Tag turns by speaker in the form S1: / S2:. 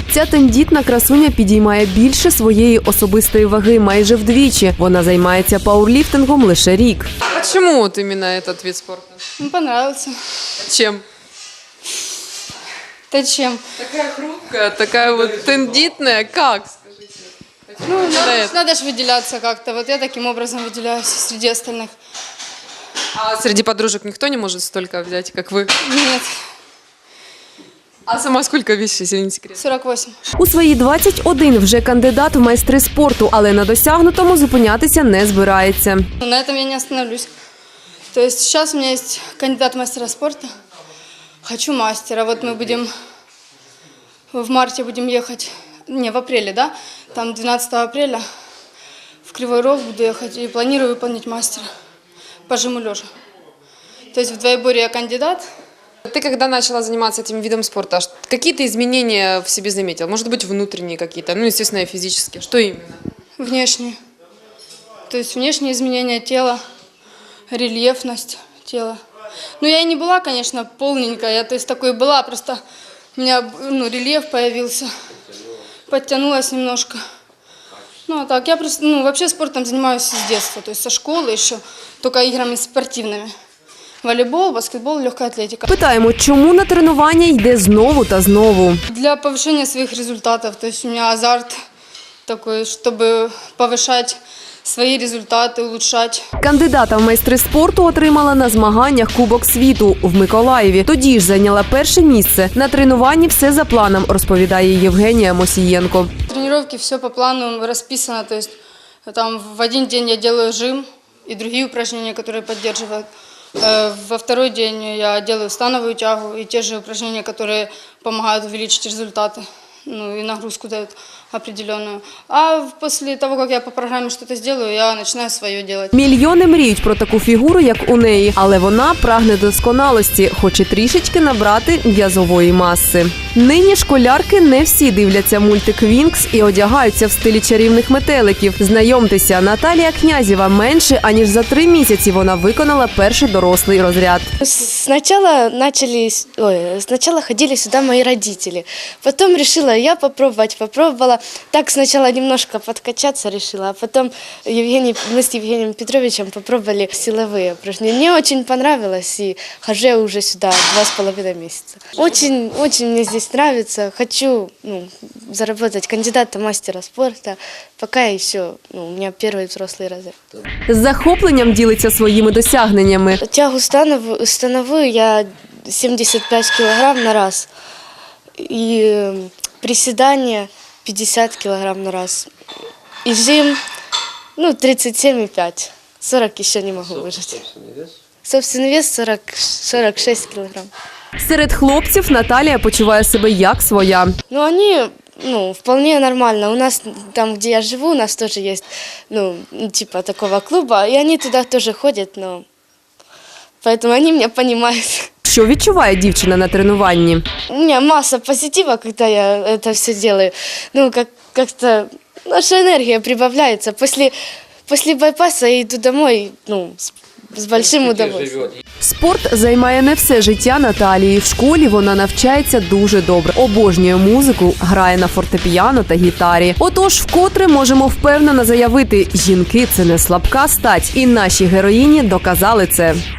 S1: Ця тендітна красуня підіймає більше своєї особистої ваги майже вдвічі. Вона займається пауерліфтингом лише рік.
S2: А почему вот именно этот вид спорта?
S3: Ну, понравился.
S2: Чем?
S3: Да чем?
S2: Такая хрупкая, такая вот тендитная. Как, скажите?
S3: Ну,
S2: это?
S3: надо же выделяться как-то. Вот я таким образом выделяюсь среди остальных.
S2: А среди подружек никто не может столько взять, как вы?
S3: Нет,
S2: А сама сколько весишь, если не секрет?
S3: 48.
S1: У свої 21 вже кандидат в майстри спорту, але на досягнутому зупинятися не збирається.
S3: Но на этом я не остановлюсь. То есть сейчас у меня есть кандидат в мастера спорта. Хочу мастера. Вот мы будем в марте будем ехать, не, в апреле, да? Там 12 апреля в Кривой Рог буду ехать и планирую выполнить мастера по жиму лежа. То есть в двоеборье я кандидат.
S2: Ты когда начала заниматься этим видом спорта, какие-то изменения в себе заметил? Может быть, внутренние какие-то, ну, естественно, и физические. Что именно?
S3: Внешние. То есть внешние изменения тела, рельефность тела. Ну, я и не была, конечно, полненькая, я, то есть, такой была, просто у меня, рельеф появился, подтянулась немножко. Ну, а так, я просто, вообще спортом занимаюсь с детства, то есть со школы еще, только играми спортивными. Волейбол, баскетбол, легкая атлетика.
S1: Питаємо, чому на тренування йде знову та знову.
S3: Для повышения своих результатов, то есть у меня азарт такой, чтобы повышать свои результаты, улучшать.
S1: Кандидата в майстри спорту отримала на змаганнях Кубок світу в Миколаєві. Тоді ж зайняла перше місце. На тренуванні все за планом, розповідає Євгенія Мосієнко.
S3: Тренировки все по плану расписано, то есть там в один день я делаю жим и другие упражнения, которые поддерживают. Во второй день я делаю становую тягу и те же упражнения, которые помогают увеличить результаты, и нагрузку дают определенную. А после того, как я по программе что-то сделаю, я начинаю свое делать.
S1: Мільйони мріють про таку фігуру, як у неї, але вона прагне досконалості, хоче трішечки набрати м'язової маси. Нині школярки не всі дивляться мультик «Вінкс» і одягаються в стилі чарівних метеликів. Знайомтеся, Наталія Князєва менше, аніж за 3 місяці вона виконала перший дорослий розряд.
S4: Сначала ходили сюда мои родители, потом решила я попробовала. Так сначала немножко подкачаться решила, а потом мы с Евгением Петровичем попробовали силовые упражнения. Мне очень понравилось, и хожу я уже сюда 2,5 месяца. Очень мне здесь нравится. Хочу заработать кандидата в мастера спорта. Пока еще у меня первый взрослый разряд.
S1: З захопленням ділиться своїми досягненнями.
S4: Тягу становую я 75 килограмм на раз. И приседания 50 килограмм на раз. И жим 37,5. 40 еще не могу выжать. Собственный вес 46 килограмм.
S1: Серед хлопців Наталія почуває себе як своя.
S4: Они вполне нормально. У нас там, где я живу, у нас тоже есть типа такого клуба. И они туда тоже ходят, поэтому они меня понимают.
S1: Що відчуває дівчина на тренуванні?
S4: У меня масса позитива, когда я это все делаю. Как-то наша энергия прибавляется. После байпаса я иду домой, с большим удовольствием.
S1: Спорт займає не все життя Наталії. В школі вона навчається дуже добре. Обожнює музику, грає на фортепіано та гітарі. Отож, вкотре можемо впевнено заявити, жінки – це не слабка стать. І наші героїні доказали це.